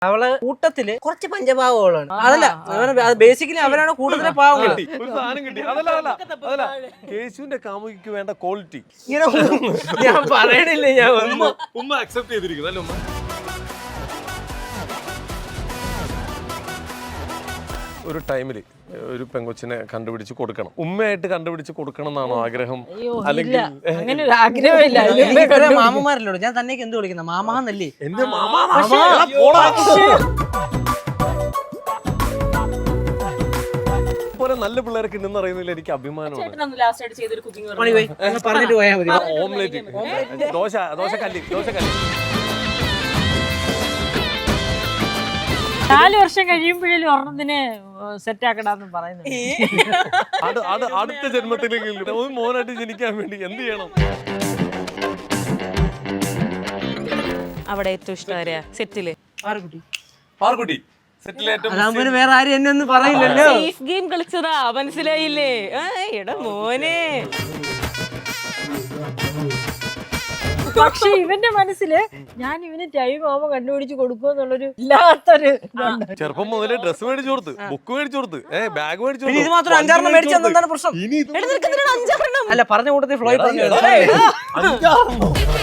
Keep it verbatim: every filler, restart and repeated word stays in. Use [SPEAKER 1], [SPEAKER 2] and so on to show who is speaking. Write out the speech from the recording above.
[SPEAKER 1] അവളെ കൂട്ടത്തില് കുറച്ച് പഞ്ചപാവങ്ങളാണ്. അതല്ല ബേസിക്കലി അവരാണ് കൂടുതൽ പാവങ്ങൾ.
[SPEAKER 2] കേശുവിന്റെ കാമുകിക്ക് വേണ്ട ക്വാളിറ്റി
[SPEAKER 1] ഇങ്ങനെ ഞാൻ പറയണില്ലേ, ഞാൻ
[SPEAKER 2] ഉമ്മ ഉമ്മ അക്സെപ്റ്റ് ചെയ്തിരിക്കുന്നു അല്ലേ ഉമ്മ? ഒരു ടൈമില് ഒരു പെങ്കൊച്ചിനെ കണ്ടുപിടിച്ച് കൊടുക്കണം, ഉമ്മയായിട്ട് കണ്ടുപിടിച്ച് കൊടുക്കണം എന്നാണോ ആഗ്രഹം? അല്ലെങ്കിൽ
[SPEAKER 3] അങ്ങനെ ഒരു ആഗ്രഹമില്ല.
[SPEAKER 1] മാമന്മാരല്ലോ, ഞാൻ തന്നേക്ക് എന്ത് വിളിക്കുന്ന മാമാന്നല്ലേ?
[SPEAKER 2] എന്റെ മാമാ പോലെ നല്ല പിള്ളേരൊക്കെ ഉണ്ടെന്ന് അറിയുന്നില്ല, എനിക്ക് അഭിമാനമാണ്.
[SPEAKER 1] പറഞ്ഞിട്ട് പോയാൽ മതി.
[SPEAKER 2] ഓംലേറ്റ്, ദോശ ദോശക്കല്ലി ദോശക്കല്ലി
[SPEAKER 3] നാല് വർഷം കഴിയുമ്പോഴേലും ഒരെണ്ണത്തിന് സെറ്റ് ആക്കണമെന്ന് പറയുന്നത്.
[SPEAKER 2] അടുത്ത ജന്മത്തിലെങ്കിലും ഒരു മോനായിട്ട് ജനിക്കാൻ വേണ്ടി എന്ത് ചെയ്യണം?
[SPEAKER 4] അവിടെ ഏറ്റവും ഇഷ്ടം സെറ്റില്
[SPEAKER 2] പാർക്കുട്ടി
[SPEAKER 1] അതാകുമ്പോ വേറെ ആരും എന്നെ ഒന്നും പറയില്ലല്ലോ.
[SPEAKER 4] സേഫ് ഗെയിം കളിച്ചതാ, മനസ്സിലായില്ലേ? എടാ മോനെ.
[SPEAKER 3] പക്ഷെ ഇവന്റെ മനസ്സില് ഞാൻ ഇവന് ടൈം ആവുമ്പോ കണ്ടുപിടിച്ച് കൊടുക്കുമെന്നുള്ളൊരു ഇല്ലാത്തൊരു.
[SPEAKER 2] ചെറുപ്പം മുതലേ ഡ്രസ് മേടിച്ചു കൊടുത്ത്, ബുക്ക് മേടിച്ചു കൊടുത്ത്, ബാഗ് മേടിച്ചു
[SPEAKER 1] ഇത് മാത്രം അഞ്ചാറെണ്ണം മേടിച്ചെന്താണ് പ്രശ്നം? അല്ല പറഞ്ഞ കൂട്ടത്തിൽ ഫ്ലോയിൽ പറഞ്ഞു.